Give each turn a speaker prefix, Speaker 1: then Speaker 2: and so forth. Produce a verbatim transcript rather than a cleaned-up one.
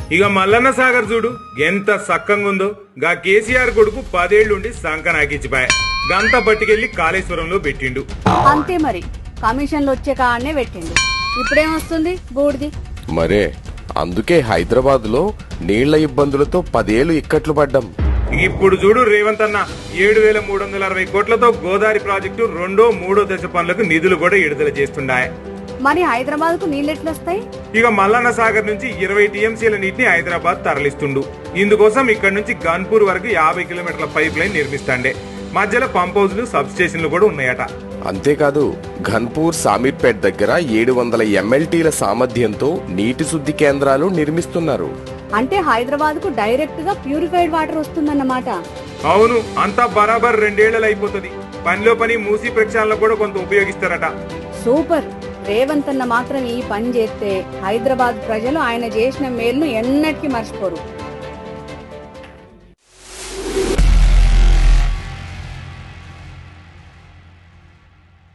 Speaker 1: ఇక మల్లన్న సాగర్ చూడు ఎంత సక్కంగా ఉందో. గా కేసీఆర్ కొడుకు పదేళ్లుండి సంక నాకిచ్చిపాయ గంత పట్టుకెళ్లి కాళేశ్వరంలో పెట్టిండు.
Speaker 2: అంతే మరి, కమిషన్లు వచ్చే కాడనే పెట్టిండు. ఇప్పుడేమొస్తుంది బూడిది.
Speaker 3: మరే అందుకే హైదరాబాద్ లో నీళ్ల ఇబ్బందులతో పదేళ్లు ఇక్కట్లు పడ్డాం.
Speaker 1: ఇప్పుడు చూడు రేవంత్ అన్న ఏడు వేల మూడు వందల అరవై కోట్లతో గోదావరి ప్రాజెక్టు రెండో మూడో దశ పనులకు నిధులు కూడా విడుదల చేస్తున్నాయి.
Speaker 2: మరి హైదరాబాద్ కు నీళ్ళు ఎట్లొస్తాయి?
Speaker 1: ఇక మల్లన్న సాగర్ నుంచి ఇరవై టీఎంసీల నీటిని హైదరాబాద్ తరలిస్తుండు. ఇందుకోసం ఇక్కడ నుంచి గన్పూర్ వరకు యాభై కిలోమీటర్ల పైప్ లైన్ నిర్మిస్తాండే. మధ్యలో పంప్ హౌస్లు సబ్ స్టేషన్లు కూడా ఉన్నాయట.
Speaker 3: అంతేకాదు ఘన్పూర్ సామీర్పేట్ దగ్గర ఏడు వందల ఎంఎల్టీల సామర్థ్యంతో నీటి శుద్ధి కేంద్రాలు నిర్మిస్తున్నారు.
Speaker 2: అంటే హైదరాబాద్ కు డైరెక్ట్ గా ప్యూరిఫైడ్ వాటర్ వస్తుందన్నమాట.
Speaker 1: అవును, అంతా బరాబర్ రెండేళ్లలో అయిపోతుంది. పనిలో పని మూసి ప్రక్షాళన కూడా కొంత ఉపయోగిస్తారట.
Speaker 2: సూపర్. రేవంత్ అన్న మాత్రం ఈ పని చేస్తే హైదరాబాద్ ప్రజలు ఆయన చేసిన మేలును ఎన్నటికీ మర్చిపోరు.